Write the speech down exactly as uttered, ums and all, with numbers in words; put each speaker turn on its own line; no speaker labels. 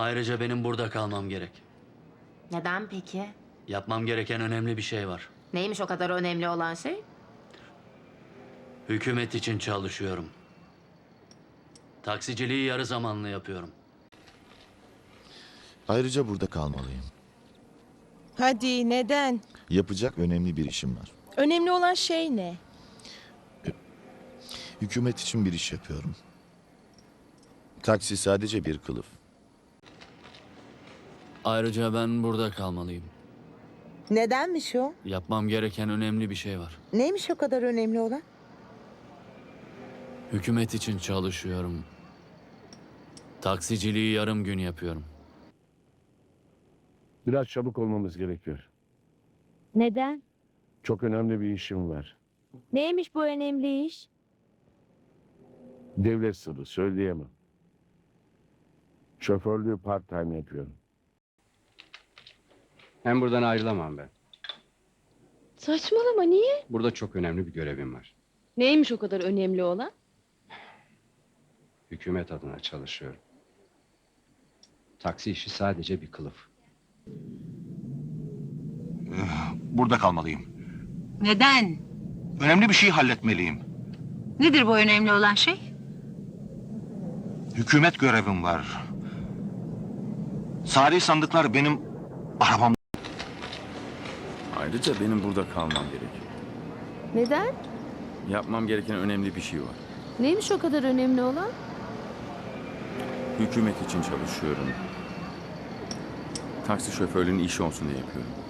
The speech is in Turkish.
Ayrıca benim burada kalmam gerek.
Neden peki?
Yapmam gereken önemli bir şey var.
Neymiş o kadar önemli olan şey?
Hükümet için çalışıyorum. Taksiciliği yarı zamanlı yapıyorum.
Ayrıca burada kalmalıyım.
Hadi neden?
Yapacak önemli bir işim var.
Önemli olan şey ne?
Hükümet için bir iş yapıyorum. Taksi sadece bir kılıf.
Ayrıca ben burada kalmalıyım.
Nedenmiş o?
Yapmam gereken önemli bir şey var.
Neymiş o kadar önemli olan?
Hükümet için çalışıyorum. Taksiciliği yarım gün yapıyorum.
Biraz çabuk olmamız gerekiyor.
Neden?
Çok önemli bir işim var.
Neymiş bu önemli iş?
Devlet sırrı, söyleyemem. Şoförlüğü part time yapıyorum.
Hem buradan ayrılamam ben.
Saçmalama, niye?
Burada çok önemli bir görevim var.
Neymiş o kadar önemli olan?
Hükümet adına çalışıyorum. Taksi işi sadece bir kılıf.
Burada kalmalıyım.
Neden?
Önemli bir şey halletmeliyim.
Nedir bu önemli olan şey?
Hükümet görevim var. Sari sandıklar benim arabam.
Ayrıca benim burada kalmam gerek.
Neden?
Yapmam gereken önemli bir şey var.
Neymiş o kadar önemli olan?
Hükümet için çalışıyorum. Taksi şoförlüğünün işi olsun diye yapıyorum.